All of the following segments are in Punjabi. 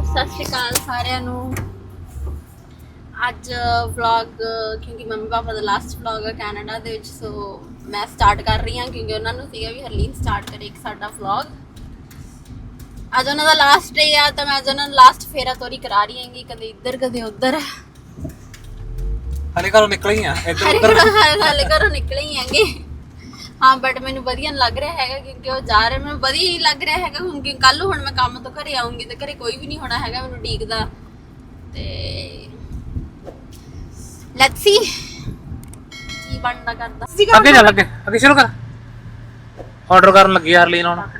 सत श्री अकाल सारिਆਂ ਨੂੰ। ਅੱਜ ਵਲੌਗ ਕਿਉਂਕਿ ਮੰਮੀ ਪਾਪਾ ਦਾ ਲਾਸਟ ਵਲੌਗ ਹੈ ਕੈਨੇਡਾ ਦੇ ਵਿੱਚ, ਸੋ ਮੈਂ ਸਟਾਰਟ ਕਰ ਰਹੀ ਹਾਂ ਕਿਉਂਕਿ ਉਹਨਾਂ ਨੂੰ ਸੀਗਾ ਵੀ ਹਰਲੀਨ ਸਟਾਰਟ ਕਰੇ ਇੱਕ ਸਾਡਾ ਵਲੌਗ। ਅੱਜ ਉਹਨਾਂ ਦਾ ਲਾਸਟ ਡੇ ਆ ਤਾਂ ਮੈਂ ਅੱਜ ਉਹਨਾਂ ਨੂੰ ਲਾਸਟ ਫੇਰਾ ਤੋਰੀ ਕਰਾ ਰਹੀ ਹਾਂਗੀ, ਕਦੇ ਇੱਧਰ ਕਦੇ ਉੱਧਰ। ਹਲੇ ਘਰੋਂ ਨਿਕਲ ਹੀ ਆ, ਹਲੇ ਘਰੋਂ ਨਿਕਲੇ ਹੀ ਆਂਗੇ। हाँ बट मैंने वधिया लग रहा है क्योंकि वो जा रहे मैं वधिया ही लग रहा है क्योंकि कल हुण मैं काम तो घरे आऊँगी तो घरे कोई भी नहीं होना है मैनूं उडीकदा ते लेट्स सी की बनदा करदा। ਅੱਗੇ ਚੱਲ ਅੱਗੇ ਸ਼ੁਰੂ ਕਰ। ਆਰਡਰ ਕਰਨ ਲੱਗੀ ਯਾਰ ਲੀਨ ਹੁਣ।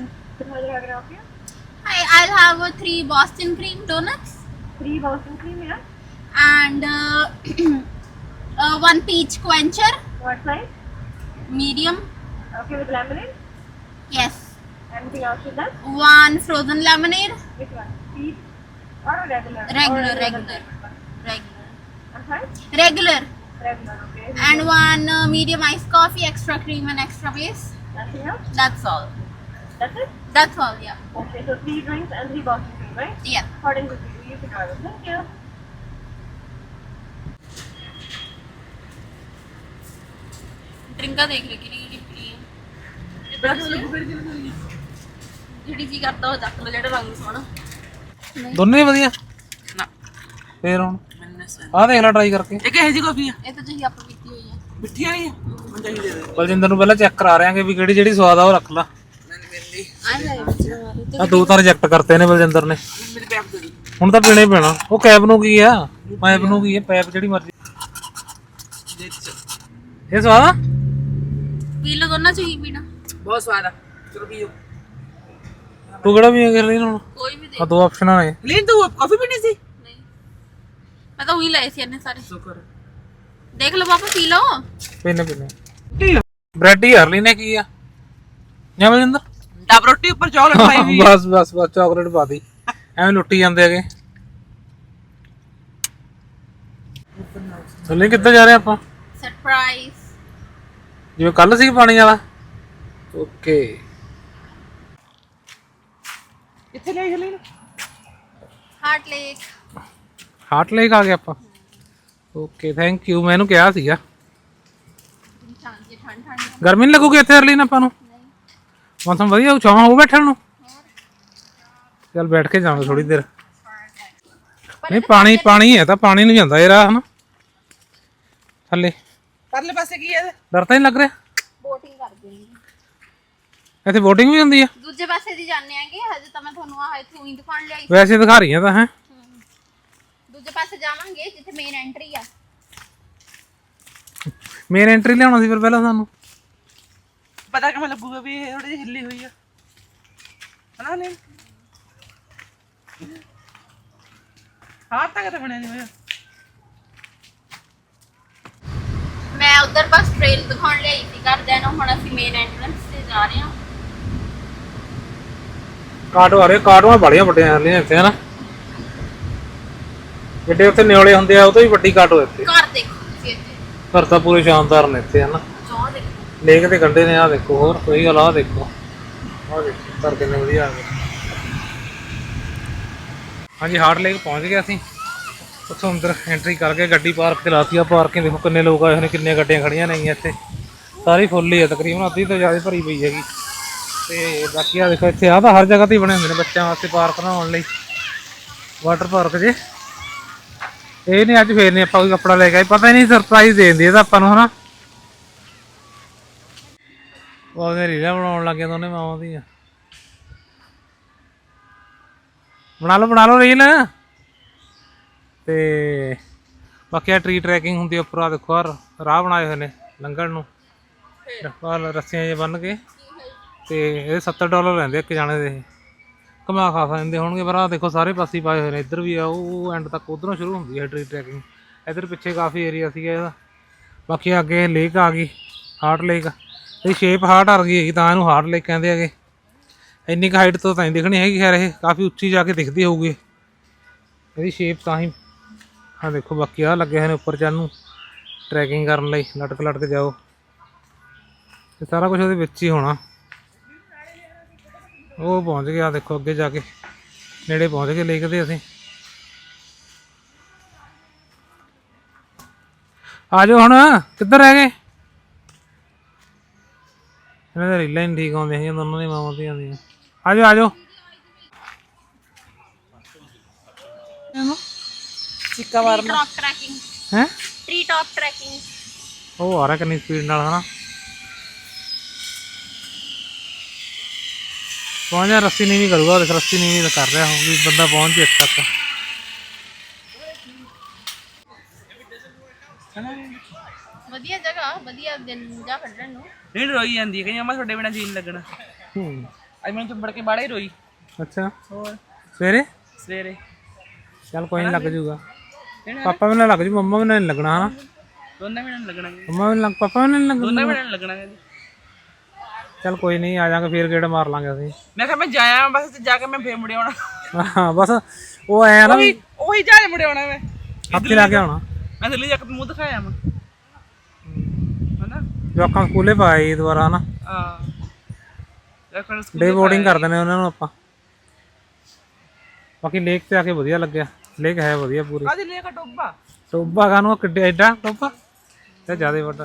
I'll have 3 Boston cream donuts. 3 Boston cream, yeah. And 1 peach quencher. What size? Medium. Okay, with lemonade? Yes. Anything else with that? 1 frozen lemonade. Which one? Peach or regular? Regular, Or regular. Regular. I'm sorry? Regular. Regular, okay. And 1 medium iced coffee, extra cream and extra base. Nothing else? That's all. That's it? That's all, yeah. Okay, so 3 drinks and 3 Boston cream, right? Yeah. According to you, you can order. Thank you. ਡਰਿੰਕਾਂ ਦੇਖ ਲੈ ਕਿਹੜੀ ਕਿਹੜੀ ਪੀ ਜਿਹੜੀ ਜੀ ਕਰਦਾ ਉਹ ਚੱਕ ਲਓ, ਜਿਹੜਾ ਰੰਗ ਸੋਹਣਾ। ਦੋਨੇ ਵਧੀਆ ਨਾ ਫੇਰ ਹੁਣ ਆਹ ਦੇਖ ਲੈ ਟਰਾਈ ਕਰਕੇ। ਇਹ ਕਿਹੋ ਜੀ ਕਾਫੀ ਆ? ਇਹ ਤਾਂ ਤੁਸੀਂ ਆਪਾਂ ਪੀਤੀ ਹੋਈ ਹੈ। ਮਿੱਠੀ ਵਾਲੀ ਆ? ਮੈਨੂੰ ਚਾਹੀਦੀ ਦੇ ਦੇ। ਬਲਜਿੰਦਰ ਨੂੰ ਪਹਿਲਾਂ ਚੈੱਕ ਕਰਾ ਰਿਆਂਗੇ ਵੀ ਕਿਹੜੀ ਜਿਹੜੀ ਸਵਾਦ ਆ ਉਹ ਰੱਖ ਲਾ। ਮੈਨੂੰ ਮਿਲਦੀ ਆ 2 ਤਾਂ ਰਿਜੈਕਟ ਕਰਤੇ ਨੇ ਬਲਜਿੰਦਰ ਨੇ। ਮੇਰੇ ਪੈਪ ਦੇ ਦੀ। ਹੁਣ ਤਾਂ ਪੀਣੇ ਪੈਣਾ। ਉਹ ਕੈਬ ਨੂੰ ਕੀ ਆ, ਪਾਈਪ ਨੂੰ ਕੀ ਆ, ਪਾਈਪ ਜਿਹੜੀ ਮਰਜ਼ੀ। ਦੇ ਚ ਇਹ ਸਵਾਦ ਆ। ਪੀ ਲਓ ਦੋਨਾਂ ਚ ਹੀ ਪੀਣਾ। ਬਹੁਤ ਸਵਾਦ ਆ। ਚਲੋ ਪੀਓ। ਤੂੰ ਕਿਹੜਾ ਵੀ ਕਰ ਰਹੀ ਹੁਣ? ਕੋਈ ਵੀ ਦੇ। ਆ 2 ਆਪਸ਼ਨਾਂ ਨੇ। ਲੀਨ ਤੂੰ ਕਾਫੀ ਪੀਣੀ ਸੀ? ਨਹੀਂ ਮੈਂ ਤਾਂ ਉਹੀ ਲਏ ਸੀ ਇਹਨੇ ਸਾਰੇ। ਸ਼ੁਕਰ। ਦੇਖ ਲਓ ਪਾਪਾ ਪੀ ਲਓ। ਪੀਨੇ ਬ੍ਰੈਡ ਹੀ ਹਰਲੀ ਨੇ ਕੀ ਆ ਜਾਂ ਬਲਜਿੰਦਰ? ਡਬ ਰੋਟੀ ਉੱਪਰ ਚਾਕਲੇਟ ਪਾਈ ਵੀ। ਬਸ ਚਾਕਲੇਟ ਪਾ ਦੀ, ਐਵੇਂ ਲੁੱਟੀ ਜਾਂਦੇ ਹੈਗੇ। ਚੱਲੇ ਕਿੱਦਾਂ ਜਾ ਰਹੇ ਆਪਾਂ? ਸਰਪ੍ਰਾਈਜ਼। ਜਿਵੇਂ ਕੱਲ ਸੀ ਪਾਣੀ ਵਾਲਾ। ਓਕੇ ਕਿੱਥੇ ਲੈ ਲੀਨ? Heart lake. ਹਾਰਟ ਲੇਕ ਆ ਗਏ ਆਪਾਂ। Okay thank you. ਮੈਂ ਇਹਨੂੰ ਕਿਹਾ ਸੀਗਾ ਠੰਡ ਗਰਮੀ ਨਹੀਂ ਲੱਗੂਗੀ ਇੱਥੇ ਅਰਲੀ ਨਾ ਆਪਾਂ ਨੂੰ। ਮੌਸਮ ਵਧੀਆ ਛਾਂ ਹੋ ਬੈਠਣ ਨੂੰ। ਚੱਲ ਬੈਠ ਕੇ ਜਾਵਾਂਗੇ ਥੋੜੀ ਦੇਰ। ਨਹੀਂ ਪਾਣੀ ਹੈ ਤਾਂ ਪਾਣੀ ਨੂੰ ਜਾਂਦਾ ਇਹ ਰਾਹ ਹਨਾ ਥੱਲੇ। ਪਰਲੇ ਪਾਸੇ ਕੀ ਹੈ? ਡਰ ਤਾਂ ਨਹੀਂ ਲੱਗ ਰਿਹਾ? ਬੋਟਿੰਗ ਕਰਦੇ ਨੇ ਇੱਥੇ ਬੋਟਿੰਗ ਵੀ ਹੁੰਦੀ ਆ? ਦੂਜੇ ਪਾਸੇ ਦੀ ਜਾਂਦੇ ਆਂਗੇ। ਹਜੇ ਤਾਂ ਮੈਂ ਤੁਹਾਨੂੰ ਆਹ ਇੱਥੋਂ ਹੀ ਦਿਖਾਉਣ ਲਿਆਈ। ਵੈਸੇ ਦਿਖਾ ਰਹੀਆਂ ਤਾਂ ਹੈ। ਦੂਜੇ ਪਾਸੇ ਜਾਵਾਂਗੇ ਜਿੱਥੇ ਮੇਨ ਐਂਟਰੀ ਆ। ਮੇਨ ਐਂਟਰੀ ਲਿਆਉਣਾ ਸੀ ਫਿਰ ਪਹਿਲਾਂ ਸਾਨੂੰ। ਪਤਾ ਕਿਵੇਂ ਲੱਗੂਗਾ ਵੀ ਇਹ ਥੋੜੀ ਜਿਹੀ ਹਿੱਲੀ ਹੋਈ ਆ ਹਨਾ ਲੀਨ? ਹਾਂ ਤਾਂ ਕਿਤੇ ਬਣਿਆ ਨਹੀਂ ਹੋਇਆ। ਮੈਂ ਉਧਰ ਬਸ ਟ੍ਰੇਲ ਦਿਖਾਉਣ ਲਈ ਸੀ ਘਰਦਿਆਂ ਨੂੰ। ਹੁਣ ਅਸੀਂ ਮੇਨ ਐਂਟਰੈਂਸ ਤੇ ਜਾ ਰਹੇ ਹਾਂ। ਕਾਟੋ ਆ ਰਹੇ। ਕਾਟੋਆਂ ਬੜੀਆਂ ਵੱਡੀਆਂ ਹਰਲੀਆਂ ਇੱਥੇ ਹਨਾ। ਜਿਹੜੇ ਉੱਥੇ ਨਿਓਲੇ ਹੁੰਦੇ ਆ ਉਹ ਤੋਂ ਵੀ ਵੱਡੀ ਕਾਟੋ ਇੱਥੇ। ਘਰ ਦੇਖੋ ਤੁਸੀਂ ਇੱਥੇ। ਘਰ ਤਾਂ ਪੂਰੇ ਸ਼ਾਨਦਾਰ ਨੇ ਇੱਥੇ ਹਨਾ। ਚੌਂ ਦੇਖੋ। ਲੇਕ ਦੇ ਕੰਢੇ ਨੇ। ਆ ਦੇਖੋ ਹੋਰ ਕੋਈ ਗੱਲ। ਆ ਦੇਖੋ ਘਰ ਕਿੰਨੇ ਵਧੀਆ ਆ ਗਏ। ਹਾਂਜੀ ਹਾਰਟ ਲੇਕ ਪਹੁੰਚ ਗਏ ਅਸੀਂ। ਉੱਥੋਂ ਅੰਦਰ ਐਂਟਰੀ ਕਰਕੇ ਗੱਡੀ ਪਾਰਕ ਤੇ ਲਾਤੀ ਆ। ਪਾਰਕਿੰਗ ਦੇਖੋ ਕਿੰਨੇ ਲੋਕ ਆਏ ਹੋਏ ਨੇ, ਕਿੰਨੀਆਂ ਗੱਡੀਆਂ ਖੜੀਆਂ ਨੇਗੀਆਂ ਇੱਥੇ। ਸਾਰੀ ਫੁੱਲ ਹੀ ਆ, ਤਕਰੀਬਨ ਅੱਧੀ ਤੋਂ ਜ਼ਿਆਦਾ ਭਰੀ ਪਈ ਹੈਗੀ। ਤੇ ਬਾਕੀ ਆ ਦੇਖੋ ਇੱਥੇ ਆ ਤਾਂ ਹਰ ਜਗ੍ਹਾ ਤੇ ਬਣੇ ਹੁੰਦੇ ਨੇ ਬੱਚਿਆਂ ਵਾਸਤੇ ਪਾਰਕ ਬਣਾਉਣ ਲਈ। ਵਾਟਰ ਪਾਰਕ ਜੇ ਇਹ ਨਹੀਂ ਅੱਜ ਫੇਰ ਨਹੀਂ ਆਪਾਂ ਕੋਈ ਕੱਪੜਾ ਲੈ ਕੇ ਆਏ। ਪਤਾ ਹੀ ਨਹੀਂ ਸਰਪ੍ਰਾਈਜ਼ ਦੇ ਦਿੰਦੀ ਇਹ ਤਾਂ ਆਪਾਂ ਨੂੰ ਹਨਾ। ਉਹ ਉਹਨੇ ਰੀਲਾਂ ਬਣਾਉਣ ਲੱਗ ਗਿਆ ਦੋਨੇ ਮਾਵਾਂ ਦੀਆਂ। ਬਣਾ ਲਓ ਰੀਲ। ਤੇ ਬਾਕੀ ਆ ਟਰੀ ਟਰੈਕਿੰਗ ਹੁੰਦੀ ਉੱਪਰ। ਆ ਦੇਖੋ ਆ ਰਾਹ ਬਣਾਏ ਹੋਏ ਨੇ ਲੰਘਣ ਨੂੰ, ਰੱਸੀਆਂ ਜੇ ਬੰਨ ਕੇ। ਤੇ ਇਹ $70 ਲੈਂਦੇ ਇੱਕ ਜਾਣੇ ਦੇ। ਘੁਮਾ ਖਾ ਦਿੰਦੇ ਹੋਣਗੇ। ਪਰ ਆਹ ਦੇਖੋ ਸਾਰੇ ਪਾਸੇ ਪਾਏ ਹੋਏ ਨੇ। ਇੱਧਰ ਵੀ ਆ ਉਹ ਐਂਡ ਤੱਕ ਉੱਧਰੋਂ ਸ਼ੁਰੂ ਹੁੰਦੀ ਹੈ ਟਰੀ ਟਰੈਕਿੰਗ। ਇੱਧਰ ਪਿੱਛੇ ਕਾਫੀ ਏਰੀਆ ਸੀਗਾ ਇਹਦਾ। ਬਾਕੀ ਅੱਗੇ ਲੇਕ ਆ ਗਈ ਹਾਰਟ ਲੇਕ। ਇਹਦੀ ਸ਼ੇਪ ਹਾਰਟ ਆ ਗਈ ਹੈਗੀ ਤਾਂ ਇਹਨੂੰ ਹਾਰਟ ਲੇਕ ਕਹਿੰਦੇ ਹੈਗੇ। ਇੰਨੀ ਕੁ ਹਾਈਟ ਤੋਂ ਤਾਂ ਨਹੀਂ ਦਿਖਣੀ ਹੈਗੀ ਖੈਰ, ਇਹ ਕਾਫੀ ਉੱਚੀ ਜਾ ਕੇ ਦਿਖਦੀ ਹੋਊਗੀ ਇਹਦੀ ਸ਼ੇਪ ਤਾਂ ਹੀ। ਹਾਂ ਦੇਖੋ ਬਾਕੀ ਆ ਲੱਗੇ ਹੋਏ ਨੇ ਉੱਪਰ ਚੜ੍ਹਨ ਨੂੰ ਟਰੈਕਿੰਗ ਕਰਨ ਲਈ। ਲਟਕ ਜਾਓ ਤੇ ਸਾਰਾ ਕੁਝ ਉਹਦੇ ਵਿੱਚ ਹੀ ਹੋਣਾ। ਉਹ ਪਹੁੰਚ ਗਿਆ ਦੇਖੋ ਅੱਗੇ ਜਾ ਕੇ। ਨੇੜੇ ਪਹੁੰਚ ਗਏ ਲੇਕ ਦੇ ਅਸੀਂ। ਆ ਜਾਓ ਹੁਣ, ਕਿੱਧਰ ਰਹਿ ਗਏ? ਇਹਨਾਂ ਦਾ ਰੀਲਾਂ ਹੀ ਠੀਕ ਆਉਂਦੀਆਂ ਸੀ ਦੋਨੋਂ ਦੀ ਮਾਵਾਂ ਦੀਆਂ ਦੀਆਂ। ਆ ਜਾਓ ਆ ਜਾਓ। ਸਿੱਕਾ ਮਾਰਨਾ ਟੌਪ ਟਰੈਕਿੰਗ ਹੈ ਟ੍ਰੀ ਟੌਪ ਟਰੈਕਿੰਗ। ਉਹ ਆ ਰਿਹਾ ਕਿੰਨੀ ਸਪੀਡ ਨਾਲ ਹਨਾ। ਪਹੁੰਚ ਜਾ, ਰੱਸੀ ਨੀਵੀਂ ਕਰੂਗਾ, ਦੇਖ ਰੱਸੀ ਨੀਵੀਂ ਕਰ ਰਿਹਾ ਹੋ ਵੀ ਬੰਦਾ ਪਹੁੰਚ ਜੇ ਇੱਥੇ ਤੱਕ। ਵਧੀਆ ਜਗ੍ਹਾ, ਵਧੀਆ ਦਿਨ ਜਾ ਕੱਢਣ ਨੂੰ। ਨਹੀਂ ਰੋਈ ਜਾਂਦੀ ਹੈ, ਕਹਿੰਦੀ ਅੰਮਾ ਤੁਹਾਡੇ ਬਿਨਾਂ ਜੀਣ ਲੱਗਣਾ। ਅੱਜ ਮੈਨੂੰ ਚੁੰਬੜ ਕੇ ਬਾੜੇ ਰੋਈ। ਅੱਛਾ ਹੋਰ ਸਵੇਰੇ ਸਵੇਰੇ ਚੱਲ ਕੋਈ ਨਹੀਂ ਲੱਗ ਜੂਗਾ। ਪਾਪਾ ਵੀ ਨਾ ਲੱਗ ਜੂ, ਮੰਮਾ ਵੀ ਨਾ ਲੱਗਣਾ ਹਨਾ। ਦੋਨੇ ਬਿਨਾਂ ਲੱਗਣਾ, ਮੰਮਾ ਵੀ ਲੱਗ, ਪਾਪਾ ਵੀ ਨਾ ਲੱਗਣਾ। ਦੋਨੇ ਬਿਨਾਂ ਲੱਗਣਾ। ਚੱਲ ਕੋਈ ਨਹੀਂ, ਆ ਜਾਾਂਗੇ ਫੇਰ ਗੇੜ ਮਾਰ ਲਾਂਗੇ ਅਸੀਂ। ਮੈਂ ਕਿਹਾ ਮੈਂ ਜਾਇਆ ਬਸ, ਜਾ ਕੇ ਮੈਂ ਫੇਰ ਮੁੜ ਆਉਣਾ। ਹਾਂ ਬਸ ਉਹ ਐ ਨਾ ਉਹੀ ਜਾ ਮੁੜ ਆਉਣਾ ਮੈਂ, ਹੱਥੀ ਲਾ ਕੇ ਆਉਣਾ। ਮੈਂ ਦਿੱਲੀ ਜਾ ਕੇ ਮੂੰਹ ਦਿਖਾਇਆ ਮੈਂ ਹਨਾ। ਜਵਾਕਾਂ ਸਕੂਲੇ ਪਾਈ ਦੁਬਾਰਾ ਹਨਾ। ਹਾਂ ਡੇ ਬੋਰਡਿੰਗ ਕਰ ਦਿੰਦੇ ਉਹਨਾਂ ਨੂੰ ਆਪਾਂ। ਬਾਕੀ ਲੇਕ ਤੇ ਆ ਕੇ ਵਧੀਆ ਲੱਗਿਆ, ਲੇਕ ਹੈ ਵਧੀਆ ਪੂਰੀ। ਕਾਹਦੀ ਲੇਕ ਆ? ਟੋਬਾ ਟੋਬਾ ਕਾਨੂੰ ਕਿੱਡੇ ਐਡਾ ਟੋਬਾ ਤੇ ਜ਼ਿਆਦਾ ਵੱਡਾ।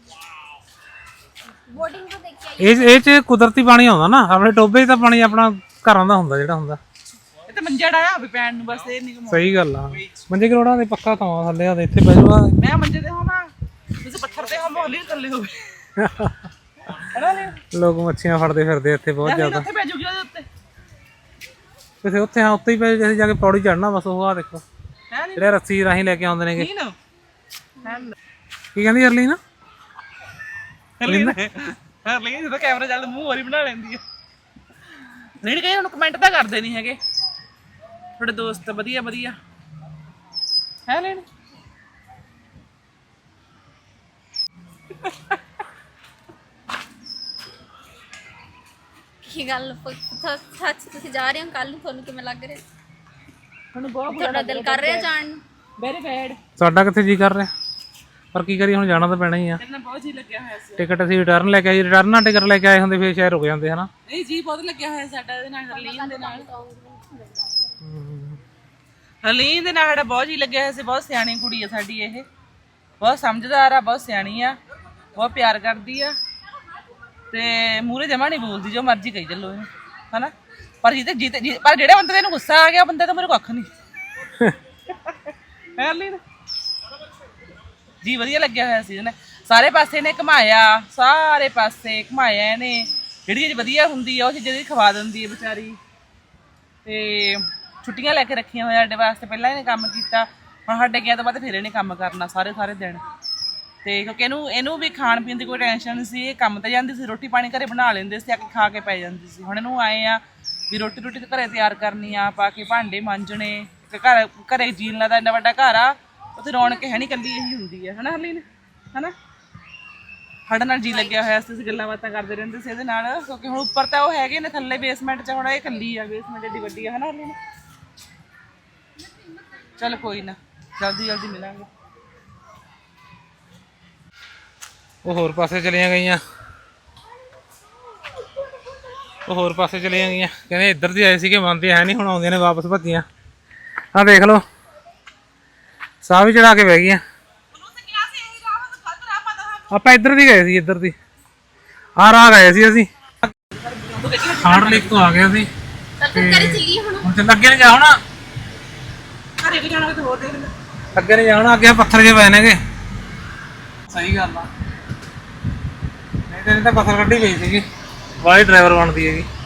ਬੋਟਿੰਗ ਤੋਂ ਦੇਖਿਆ ਇਹ ਚ ਕੁਦਰਤੀ ਪਾਣੀ ਆਉਂਦਾ ਨਾ, ਆਪਣੇ ਟੋਬੇ 'ਚ ਤਾਂ ਪਾਣੀ ਆਪਣਾ ਘਰਾਂ ਦਾ ਹੁੰਦਾ ਜਿਹੜਾ ਹੁੰਦਾ। ਇਹ ਤੇ ਮੰਜਾ ਡਾਇਆ ਵੀ ਪੈਣ ਨੂੰ, ਬਸ ਇਹ ਨਹੀਂ ਕਮਾ। ਸਹੀ ਗੱਲ ਆ, ਮੰਜੇ ਕਰੋੜਾਂ ਦੇ ਪੱਕਾ ਥਾਂ ਥੱਲੇ ਆ, ਇੱਥੇ ਬਹਿ ਜਾਊਗਾ। ਮੈਂ ਮੰਜੇ ਤੇ ਹੋਵਾਂ, ਤੁਸੀਂ ਪੱਥਰ ਤੇ ਹੋਵੋ, ਹੌਲੀ ਥੱਲੇ ਹੋਵੇ ਹਨਾ। ਲੋਕ ਮੱਛੀਆਂ ਫੜਦੇ ਫਿਰਦੇ ਇੱਥੇ ਬਹੁਤ ਜ਼ਿਆਦਾ। ਉੱਥੇ ਪੈ ਜੂਗੀ ਉਹਦੇ ਉੱਤੇ ਕਿਸੇ ਉੱਥੇ, ਹਾਂ ਉੱਤੇ ਹੀ ਪੈ ਜੇ ਜਾ ਕੇ ਪੌੜੀ ਚੜਨਾ ਬਸ। ਉਹ ਆ ਦੇਖੋ ਹੈ ਨਹੀਂ ਜਿਹੜੇ ਰੱਸੀ ਰਾਹੀਂ ਲੈ ਕੇ ਆਉਂਦੇ ਨੇਗੇ। ਨਾ ਕੀ ਕਹਿੰਦੀ ਅਰਲੀ ਨਾ? ਹਰਲੀ ਜਦੋਂ ਕੈਮਰਾ ਚੱਲਦਾ ਮੂੰਹ ਹੋਰੀ ਬਣਾ ਲੈਂਦੀ ਹੈ। ਨਹੀਂ ਕਹੇ ਹੁਣ ਕਮੈਂਟ ਤਾਂ ਕਰਦੇ ਨਹੀਂ ਹੈਗੇ ਤੁਹਾਡੇ ਦੋਸਤ। ਵਧੀਆ ਵਧੀਆ ਹੈ ਲੈਣ। ਕੀ ਗੱਲ ਸੱਚ ਤੁਸੀਂ ਜਾ ਰਹੇ ਹੋ ਕੱਲ ਨੂੰ, ਤੁਹਾਨੂੰ ਕਿਵੇਂ ਲੱਗ ਰਿਹਾ? ਤੁਹਾਨੂੰ ਬਹੁਤ ਤੁਹਾਡਾ ਦਿਲ ਕਰ ਰਿਹਾ ਜਾਣ ਨੂੰ? Very bad. ਸਾਡਾ ਕਿੱਥੇ ਜੀ ਕਰ ਰਿਹਾ, ਪਰ ਕੀ ਕਰੀਏ ਹੁਣ, ਜਾਣਾ ਤਾਂ ਪੈਣਾ ਹੀ ਆ। ਤੇਰੇ ਨਾਲ ਬਹੁਤ ਜੀ ਲੱਗਿਆ ਹੋਇਆ ਸੀ। ਟਿਕਟ ਅਸੀਂ ਰਿਟਰਨ ਲੈ ਕੇ ਆਏ, ਰਿਟਰਨ ਨਾਲ ਟਿਕਟ ਲੈ ਕੇ ਆਏ ਹੁੰਦੇ ਫੇਰ ਸ਼ਾਇਦ ਰੁਕ ਜਾਂਦੇ ਹਨਾ। ਨਹੀਂ ਜੀ ਬਹੁਤ ਲੱਗਿਆ ਹੋਇਆ ਸਾਡਾ ਇਹਦੇ ਨਾਲ, ਹਰਲੀਨ ਦੇ ਨਾਲ। ਹਰਲੀਨ ਦੇ ਨਾਲ ਸਾਡਾ ਬਹੁਤ ਜੀ ਲੱਗਿਆ ਹੋਇਆ ਸੀ। ਬਹੁਤ ਸਿਆਣੀ ਕੁੜੀ ਆ ਸਾਡੀ ਇਹ, ਬਹੁਤ ਸਮਝਦਾਰ ਆ, ਬਹੁਤ ਸਿਆਣੀ ਆ, ਬਹੁਤ ਪਿਆਰ ਕਰਦੀ ਆ ਤੇ ਮੂਹਰੇ ਜਮਾ ਨਹੀਂ ਬੋਲਦੀ, ਜੋ ਮਰਜ਼ੀ ਕਹੀ ਚੱਲੋ ਇਹਨੂੰ ਹਨਾ। ਪਰ ਪਰ ਜਿਹੜੇ ਬੰਦੇ ਨੂੰ ਗੁੱਸਾ ਆ ਗਿਆ, ਬੰਦੇ ਤਾਂ ਮੇਰੇ ਕੱਖ ਨਹੀਂ ਹਰਲੀਨ ਜੀ। ਵਧੀਆ ਲੱਗਿਆ ਹੋਇਆ ਸੀ ਇਹਨੇ, ਸਾਰੇ ਪਾਸੇ ਨੇ ਘੁਮਾਇਆ, ਸਾਰੇ ਪਾਸੇ ਘੁਮਾਇਆ ਇਹਨੇ। ਜਿਹੜੀ ਚੀਜ਼ ਵਧੀਆ ਹੁੰਦੀ ਆ ਉਹ ਚੀਜ਼ ਜਿਹੜੀ ਖਵਾ ਦਿੰਦੀ ਹੈ ਵਿਚਾਰੀ। ਤੇ ਛੁੱਟੀਆਂ ਲੈ ਕੇ ਰੱਖੀਆਂ ਹੋਇਆ ਸਾਡੇ ਵਾਸਤੇ, ਪਹਿਲਾਂ ਇਹਨੇ ਕੰਮ ਕੀਤਾ, ਹੁਣ ਸਾਡੇ ਗਿਆ ਤੋਂ ਬਾਅਦ ਫਿਰ ਇਹਨੇ ਕੰਮ ਕਰਨਾ ਸਾਰੇ ਦਿਨ। ਤੇ ਕਿਉਂਕਿ ਇਹਨੂੰ ਵੀ ਖਾਣ ਪੀਣ ਦੀ ਕੋਈ ਟੈਨਸ਼ਨ ਨਹੀਂ ਸੀ, ਇਹ ਕੰਮ ਤੇ ਜਾਂਦੀ ਸੀ, ਰੋਟੀ ਪਾਣੀ ਘਰੇ ਬਣਾ ਲੈਂਦੇ ਸੀ, ਆ ਕੇ ਖਾ ਕੇ ਪੈ ਜਾਂਦੀ ਸੀ। ਹੁਣ ਇਹਨੂੰ ਆਏ ਆ ਵੀ ਰੋਟੀ ਘਰੇ ਤਿਆਰ ਕਰਨੀ ਆ, ਪਾ ਕੇ ਭਾਂਡੇ ਮਾਂਜਣੇ, ਘਰੇ ਜੀਣ ਲੱਗਦਾ, ਇੰਨਾ ਵੱਡਾ ਘਰ ਆ, ਉੱਥੇ ਰੌਣਕ ਹੈ ਨਹੀਂ, ਇਕੱਲੀ ਇਹੀ ਹੁੰਦੀ ਹੈ ਹਨਾ ਹਰਲੀਨ ਹਨਾ। ਸਾਡੇ ਨਾਲ ਜੀ ਲੱਗਿਆ ਹੋਇਆ ਸੀ, ਅਸੀਂ ਗੱਲਾਂ ਬਾਤਾਂ ਕਰਦੇ ਰਹਿੰਦੇ ਸੀ ਇਹਦੇ ਨਾਲ, ਕਿਉਂਕਿ ਹੁਣ ਉੱਪਰ ਤਾਂ ਉਹ ਹੈਗੇ ਨੇ, ਥੱਲੇ ਬੇਸਮੈਂਟ 'ਚ ਹੁਣ ਇਹ ਇਕੱਲੀ ਆ, ਬੇਸਮੈਂਟ ਏਡੀ ਵੱਡੀ ਆ ਹਨਾ ਹਰਲੀਨ। ਚੱਲ ਕੋਈ ਨਾ, ਜਲਦੀ ਮਿਲਾਂਗੇ। ਉਹ ਹੋਰ ਪਾਸੇ ਚਲੀਆਂ ਗਈਆਂ, ਉਹ ਹੋਰ ਪਾਸੇ ਚਲੀਆਂ ਗਈਆਂ, ਕਹਿੰਦੇ ਇੱਧਰ ਦੀ ਆਏ ਸੀਗੇ, ਮੰਨਦੇ ਹੈ ਨਹੀਂ, ਹੁਣ ਆਉਂਦੀਆਂ ਨੇ ਵਾਪਸ ਭੱਜੀਆਂ। ਆਹ ਦੇਖ ਲਓ, ਸਾਹ ਵੀ ਚੜਾ ਕੇ ਬਹਿ ਗਈਆਂ। ਆਪਾਂ ਇੱਧਰ ਦੀ ਗਏ ਸੀ, ਇੱਧਰ ਦੀ ਆਹ ਰਾਹ ਗਏ ਸੀ ਅਸੀਂ, ਹਾਰਡ ਲੇਕ ਤੋਂ ਆ ਗਏ ਅਸੀਂ। ਹੁਣ ਚੱਲ ਅੱਗੇ ਨਹੀਂ ਜਾਣਾ, ਘਰੇ ਵੀ ਜਾਣਾ ਕਿਤੇ ਹੋਰ ਦੇਖ ਲੈ। ਅੱਗੇ ਨਹੀਂ ਜਾਣਾ, ਅੱਗੇ ਪੱਥਰ ਜਿਹੇ ਪਏ ਨੇਗੇ। ਸਹੀ ਗੱਲ ਆ, ਨਹੀਂ ਤਾਂ ਪੱਥਰ ਕੱਢੀ ਪਈ ਸੀਗੀ, ਵਾਲੀ ਡਰਾਈਵਰ ਬਣਦੀ ਹੈਗੀ।